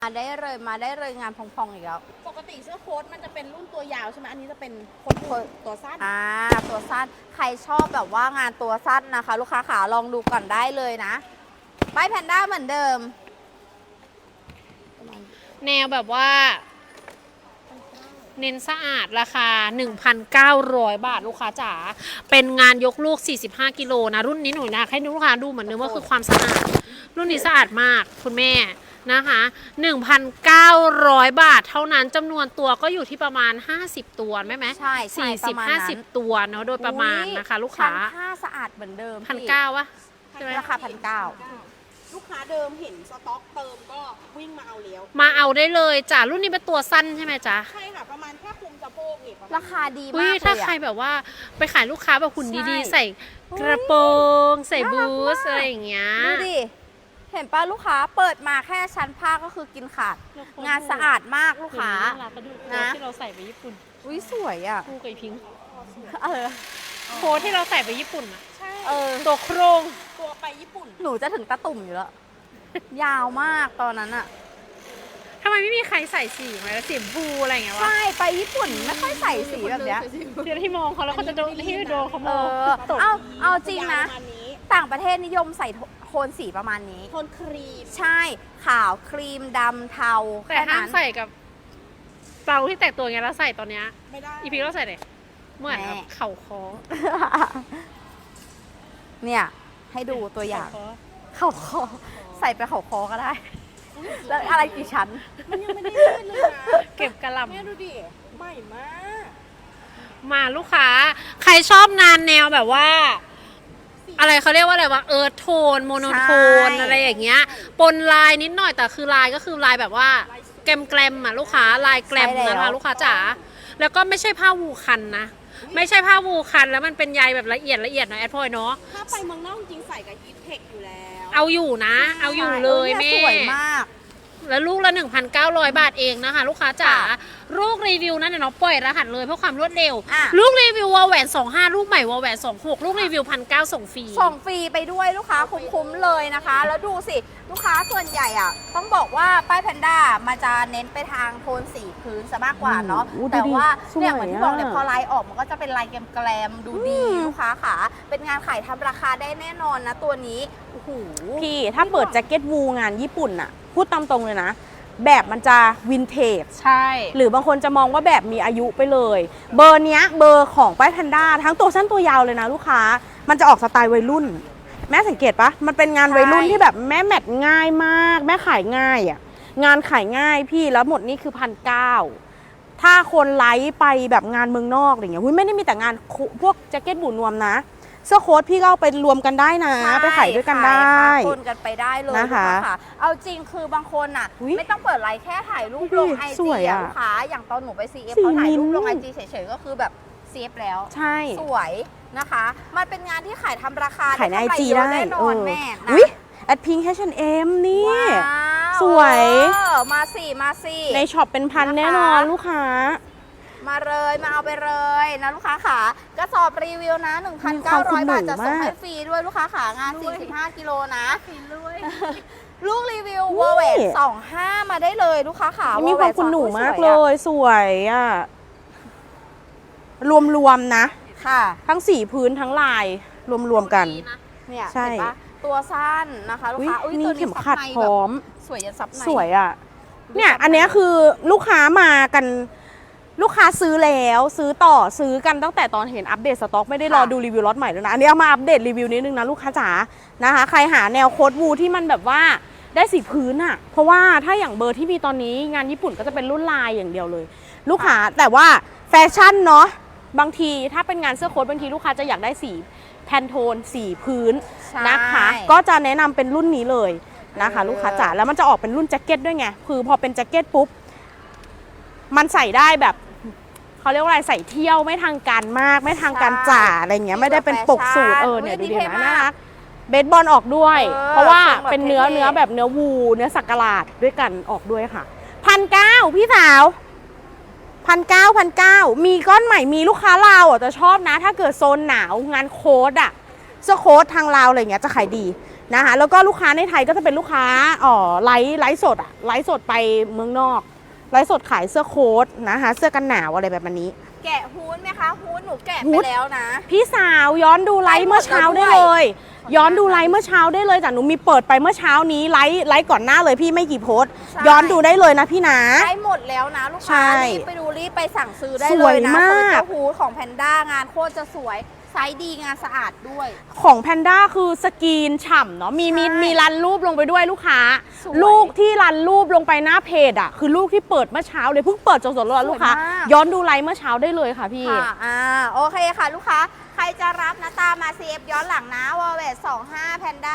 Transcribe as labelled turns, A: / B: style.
A: มาได้เลยงานพองๆอีกแล้ว
B: ปกติเสื้อโค้ทมันจะเป็นรุ่นตัวยาวใช่ไหมอันนี้จะเป็นโค้ทตัวสั้น
A: ตัวสั้นใครชอบแบบว่างานตัวสั้นนะคะ ลูกค้าขาลองดูก่อนได้เลยนะป้ายแพนด้าเหมือนเดิม
C: แนวแบบว่าเน้นสะอาดราคา 1,900 บาทลูกค้าจ๋าเป็นงานยกลูก45กิโลนะรุ่นนี้หนูนะให้ลูกค้าดูเหมือนเดิมว่าคือความสะอาดรุ่นนี้สะอาดมากคุณแม่นะคะ 1,900 บาทเท่านั้นจำนวนตัวก็อยู่ที่ประมาณ50ตัวไหม
A: ใช่
C: 40-50 ตัวเนาะโดยประมาณนะคะลูกค้า
A: ผ้าสะอาดเหมือนเดิม
C: 1,900วะ
A: ใช่ไหมราคา
B: ลูกค้าเดิมเห็นสต็อกเติมก็วิ่งมาเอาแล้ว
C: มาเอาได้เลยจ้ะรุ่นนี้เป็นตัวสั้นใช่ไหมจ๊ะ
B: ใช่ค่ะประมาณแค่คุมสะโพกเนี่ย
A: ราคาดีมากเลย
C: ถ้าใครแบบว่าไปขายลูกค้าแบบหุ่นดีๆใส่กระโปรงใส่บูทอะไรอย่างเงี้ย
A: ดูดิเห็นป่ะลูกค้าเปิดมาแค่ชั้นผ้าก็คือกินขาดงานสะอาดมากลูกค้า
C: นะที่เราใส่ไปญี่ปุ่น
A: อุ้ยสวยอ่ะ
C: คู่กับพิงค์โค้ทที่เราใส่ไปญี่ปุ่นอ่ะ
B: ใช่
C: ตัวโครง
B: ตัวไปญี่ปุ่น
A: หนูจะถึงตะตุ่มอยู่แล้วยาวมากตอนนั้นอะ
C: ทำไมไม่มีใครใส่สีไหมสีบูอะไรอย่างเงี้ยวะ
A: ใช่ไปญี่ปุ่นไม่ค่อยใส่สีแบบเนี้ย
C: เดี๋ยวที่มองเขาแล้วเขาจะโดนที่โดนเขามอง
A: เอาจริงนะต่างประเทศนิยมใส่โทนสีประมาณนี้
B: โทนครีม
A: ใช่ขาวครีมดำเทา
C: แต่ห้ามใส่กับเตาที่แตกตัวไงแล้วใส่ตอนเนี้ย
B: ไม่ได้
C: อีพีเราใส่เลยเหมือนเข่าคอ
A: เนี่ยให้ดูตัวอย่างเข่าคอใส่ไปเข่าคอก็ได้แล้วอะไรกี่ชั้น
B: มันยังไม่ได้เลื่อนเลยนะ
C: เก็บกระหล่ำ
B: แม่ดูดิใหม่มาก
C: มาลูกค้าใครชอบงานแนวแบบว่าอะไรเขาเรียกว่าอะไรวะโทนโมโนโทนอะไรอย่างเงี้ยปนลายนิดหน่อยแต่คือลายก็คือลายแบบว่าแกลมอ่ะลูกค้าลายแกลมนะคะลูกค้าจ๋าแล้วก็ไม่ใช่ผ้าวูคันนะไม่ใช่ผ้าวูคันแล้วมันเป็นใยแบบละเอียดหน่อยแอดพอยเนาะ
B: ถ้าไปเมืองนอกจริงใส่กับฮีทเทคอยู่แล้ว
C: เอาอยู่นะเอาอยู่เลยแม่
A: สวยมาก
C: แล้วลูกละ 1,900 บาทเองนะคะลูกค้าจ๋าลูกรีวิวนั้นเดี๋ยวน้องปล่อยรหัสเลยเพื่อความรวดเร็วลูกรีวิววอลแหวน25ลูกใหม่วอลแหวน26ลูกรีวิว 1,900 ส่งฟรี
A: ไปด้วยลูกค้าคุ้มๆเลยนะคะแล้วดูสิลูกค้าส่วนใหญ่อ่ะต้องบอกว่าป้ายแพนด้ามันจะเน้นไปทางโทนสีพื้นซะมากกว่าเนาะแต่ว่าเนี่ยเหมือนที่บอกเนี่ยพอลายออกมันก็จะเป็นลายแกลมดูดีลูกค้าค่ะเป็นงานขายทำราคาได้แน่นอนนะตัวนี้โอ้โห
D: พี่ถ้าเปิดแจ็คเก็ตวูงานญี่ปุ่นอะพูดตามตรงเลยนะแบบมันจะวินเทจ
C: ใช่
D: หรือบางคนจะมองว่าแบบมีอายุไปเลยเบอร์เนี้ยเบอร์ของป้ายแพนด้าทั้งตัวสั้นตัวยาวเลยนะลูกค้ามันจะออกสไตล์วัยรุ่นแม่สังเกตปะมันเป็นงานวัยรุ่นที่แบบแม่แมทง่ายมากแม่ขายง่ายอะงานขายง่ายพี่แล้วหมดนี่คือ 1,900ถ้าคนไลฟ์ไปแบบงานเมืองนอกอย่างเงี้ยไม่ได้มีแต่งานพวกแจ็คเก็ตบูนวมนะเสื้อโค้ทพี่ก็เอาไปรวมกันได้นะไปขายด้วยกันได้
A: คนกันไปได้เลยนะคะเอาจริงคือบางคนอ่ะไม่ต้องเปิดไลน์แค่ถ่ายรูปลงไอจีลูกค้าอย่างตอนหนูไป CF เขาถ่ายรูปลงไอจีเฉยๆก็คือแบบเซฟแล้ว
D: ใช่
A: สวยนะคะมันเป็นงานที่ขายทำราคา
D: ขายในไอจีได้
A: แน่นอนแม่
D: อุ้ยแอดพิงค์ H&M นี่สวย
A: มาสิ
D: ในช็อปเป็นพันแน่นอนลูกค้า
A: มาเลยมาเอาไปเลยนะลูกค้าขากระสอบรีวิวนะ 1,900 บาทจะส่งให้ฟรีด้วยลูกค้าขางาน45กิโลนะลูกรีวิววอลเวท25มาได้เลยลูกค้าขา
D: มีความคุณหนูมากเลยสวยอ่ะรวมๆนะ
A: ค่ะ
D: ทั้งสีพื้นทั้งลายรวมกัน
A: เนี่ยใช่ตัวสั้นนะคะลูกค้า
D: นี่เข็มขัดพร้อม
A: สวยยันซับใน
D: สวยอ่ะเนี่ยอันนี้คือลูกค้ามากันลูกค้าซื้อแล้วซื้อต่อซื้อกันตั้งแต่ตอนเห็นอัปเดตสต็อกไม่ได้รอดูรีวิวล็อตใหม่ด้วยนะอันนี้เอามาอัปเดตรีวิวนิดนึงนะลูกค้าจ๋านะคะใครหาแนวโค้ทวูที่มันแบบว่าได้สีพื้นอะเพราะว่าถ้าอย่างเบอร์ที่มีตอนนี้งานญี่ปุ่นก็จะเป็นรุ่นลายอย่างเดียวเลยลูกค้าแต่ว่าแฟชั่นเนาะบางทีถ้าเป็นงานเสื้อโค้ทบางทีลูกค้าจะอยากได้สีแพนโทนสีพื้นนะคะก็จะแนะนำเป็นรุ่นนี้เลยนะคะลูกค้าจ๋าแล้วมันจะออกเป็นรุ่นแจ็คเก็ตด้วยไงคือพอเป็นแจ็คเก็ตปุ๊บมันใส่ได้แบบเขาเรียกว่าอะไรใส่เที่ยวไม่ทางการมากไม่ทางการจ๋าอะไรเงี้ยไม่ได้เป็นปกสูทเนี่ยดูดีนะน่ารักเบสบอลออกด้วยเพราะว่าเป็นเนื้อแบบเนื้อวูเนื้อสักหลาดด้วยกันออกด้วยค่ะ1,900พี่สาว1,900มีก้อนใหม่มีลูกค้าลาวจะชอบนะถ้าเกิดโซนหนาวงานโค้ทอะเสื้อโค้ททางลาวอะไรเงี้ยจะขายดีนะคะแล้วก็ลูกค้าในไทยก็จะเป็นลูกค้าไลฟ์สดอะไลฟ์สดไปเมืองนอกไลฟ์สดขายเสื้อโค้ทนะคะเสื้อกันหนาวอะไรแบบนี้
A: แกะฮู้ดไหมคะฮู้ดหนูแกะ
D: ฮู้
A: ไป
D: ด
A: แล้วนะ
D: พี่สาวย้อนดูไลฟ์เมื่อเช้าได้เลย ย้อนดูไลฟ์เมื่อเช้าได้เลยแต่หนูมีเปิดไปเมื่อเช้านี้ไลฟ์ก่อนหน้าเลยพี่ไม่กี่โพสต์
A: ใช่
D: ย้อนดูได้เลยนะพี่นะ
A: ได้หมดแล้วนะลูก
D: ใช่
A: ค้ารีบไปดูรีบไปสั่งซื้อได้
D: ส
A: เล
D: วย
A: ยนะ
D: มาก
A: เฟอร์นิเจอร์ฮู้ดของแพนด้างานโคตรจะสวยไซส์ดีงานสะอาดด้วย
D: ของแพนด้าคือสกรีนฉ่ำเนาะมี
A: ใช่
D: รันรูปลงไปด้วยลูกค้า
A: สวย
D: ลูกที่รันรูปลงไปหน้าเพจอ่ะคือลูกที่เปิดเมื่อเช้าเลยเพิ่งเปิดสดๆเลยลูกค้า
A: สวยมาก
D: ย้อนดูไลฟ์เมื่อเช้าได้เลยค่ะพี่
A: ค่ะโอเคค่ะลูกค้า ใครจะรับนะตามมา CF ย้อนหลังนะวอลเวต25แพนด้า